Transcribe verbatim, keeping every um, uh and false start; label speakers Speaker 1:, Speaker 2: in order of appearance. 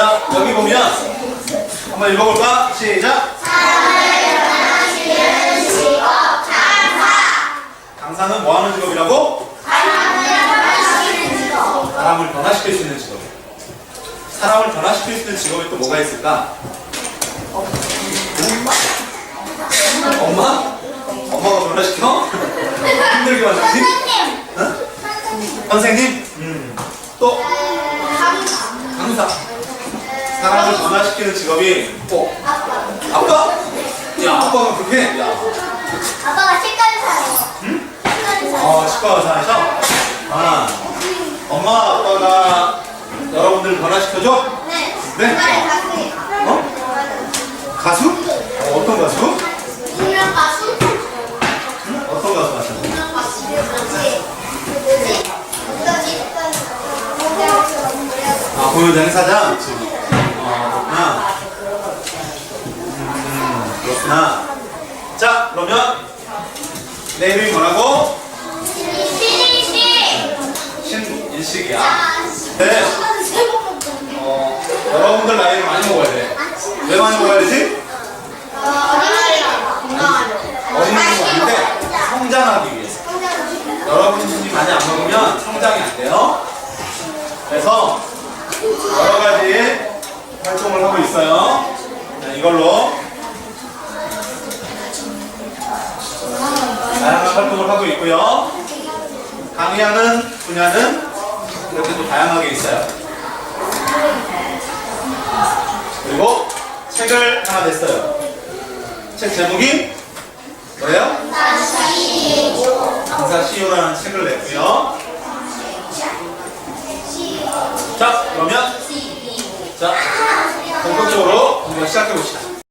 Speaker 1: 자, 여기 보면 한번 읽어볼까? 시작!
Speaker 2: 사람을 변화시키는 직업 강사.
Speaker 1: 강사는 뭐 하는 직업이라고?
Speaker 2: 사람을 변화시키는 직업.
Speaker 1: 사람을 변화시킬 수 있는 직업. 사람을 변화시킬 수 있는 직업이 또 뭐가 있을까? 엄마? 엄마가 변화시켜? 힘들게 만들지?
Speaker 2: 선생님.
Speaker 1: 응?
Speaker 2: 선생님.
Speaker 1: 선생님? 음. 또?
Speaker 2: 강사.
Speaker 1: 강사. 사람을 변화시키는 직업이 또?
Speaker 2: 아빠.
Speaker 1: 아빠? 야, 아빠가 그렇게 해? 야.
Speaker 2: 아빠가 치과의사예요.
Speaker 1: 응?
Speaker 2: 치과의사.
Speaker 1: 어, 치과 의사에서? 아, 엄마, 아빠가 여러분들 변화시켜줘?
Speaker 2: 네.
Speaker 1: 네?
Speaker 2: 치과의 가수예요.
Speaker 1: 어? 가수? 어, 어떤 가수?
Speaker 2: 유명 가수?
Speaker 1: 응? 어떤 가수 하시는 거예요?
Speaker 2: 유명 가수. 뭐지? 뭐지? 어쩌지?
Speaker 1: 아, 공연장 행사장? 어, 그렇구나. 음, 그렇구나. 자, 그러면 내 이름이 뭐라고?
Speaker 2: 신일씨.
Speaker 1: 신일식이야. 네. 어, 여러분들 나이를 많이 먹어야 돼. 왜 많이 먹어야 되지? 어린이는 아닌데 성장하기 위해서. 여러분이 많이 안 먹으면 성장이 안 돼요. 그래서 여러 가지 활동을 하고 있어요. 자, 이걸로 다양한 활동을 하고 있고요. 강의하는 분야는 이렇게 또 다양하게 있어요. 그리고 책을 하나 냈어요. 책 제목이 뭐예요? 강사 씨이오라는 책을 냈고요. 자, 그러면 자 본격적으로 공부 시작해 봅시다.